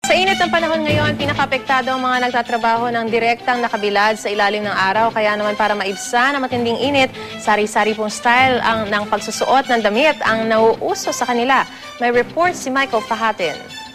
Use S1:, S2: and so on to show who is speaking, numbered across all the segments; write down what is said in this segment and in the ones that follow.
S1: Sa init ng panahon ngayon, pinakaapektado ang mga nagtatrabaho ng direktang nakabilad sa ilalim ng araw. Kaya naman para maibsan ang matinding init, sari-sari pong style ng pagsusuot ng damit ang nauuso sa kanila. May report si Michael Fahatin.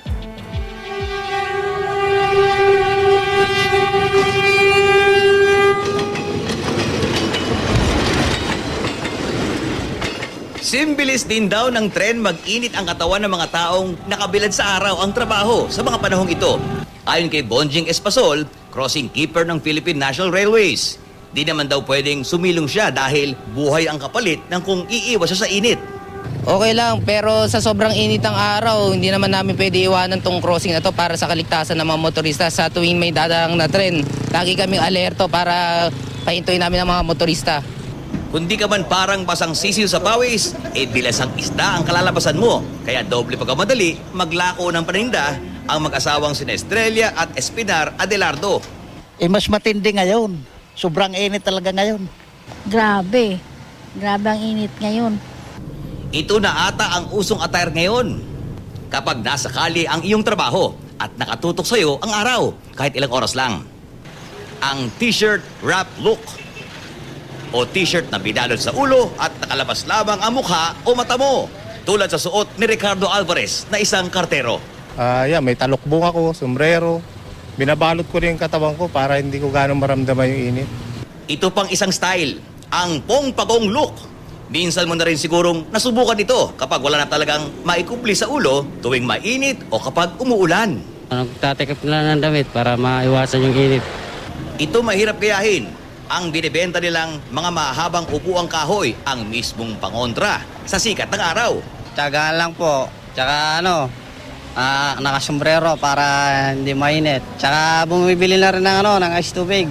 S2: Simbilis din daw ng trend mag-init ang katawan ng mga taong nakabilad sa araw ang trabaho sa mga panahong ito. Ayon kay Bonjing Espasol, crossing keeper ng Philippine National Railways. Di naman daw pwedeng sumilong siya dahil buhay ang kapalit ng kung iiwas siya sa init.
S3: Okay lang, pero sa sobrang init ng araw, hindi naman namin pwede iwanan tong crossing na to para sa kaligtasan ng mga motorista sa tuwing may dadaang na tren. Lagi kaming alerto para pahintuin namin ang mga motorista.
S2: Kundi ka man parang basang sisil sa pawis, bilas ang isda ang kalalabasan mo. Kaya doble pagkamadali, maglako ng paninda ang mag-asawang sina Estrella at Espinar Adelardo.
S4: Mas matindi ngayon. Sobrang init talaga ngayon.
S5: Grabe. Grabe ang init ngayon.
S2: Ito na ata ang usong attire ngayon. Kapag nasa kali ang iyong trabaho at nakatutok sa'yo ang araw, kahit ilang oras lang. Ang t-shirt wrap look o t-shirt na binalot sa ulo at nakalabas lamang ang mukha o mata mo. Tulad sa suot ni Ricardo Alvarez na isang kartero.
S6: May talukbong ako, sombrero. Binabalot ko rin yung katawan ko para hindi ko gano'ng maramdaman yung init.
S2: Ito pang isang style, ang pong-pagong look. Minsan mo na rin sigurong nasubukan ito kapag wala na talagang maikupli sa ulo tuwing mainit o kapag umuulan.
S7: Nagtatikip na ng damit para maiwasan yung init.
S2: Ito mahirap gayahin. Ang binibenta nilang mga mahabang upuang kahoy ang mismong pangontra sa sikat ng araw.
S8: Tiyagaan lang po. Tsaka nakasombrero para hindi mainit. Tsaka bumibili na rin ng ice tubig.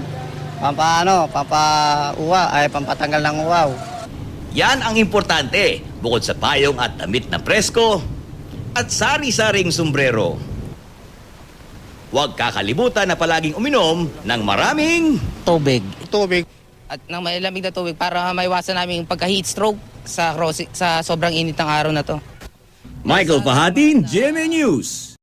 S8: Pampatanggal ng uwaw.
S2: Yan ang importante, bukod sa payong at damit na presko at sari-saring sombrero. Huwag kakalimutan na palaging uminom ng maraming
S4: Tubig.
S3: At ng malamig na tubig para maiwasan namin yung pagka-heat stroke sa sobrang init ng araw na to.
S2: Michael Fahatin, GMA News.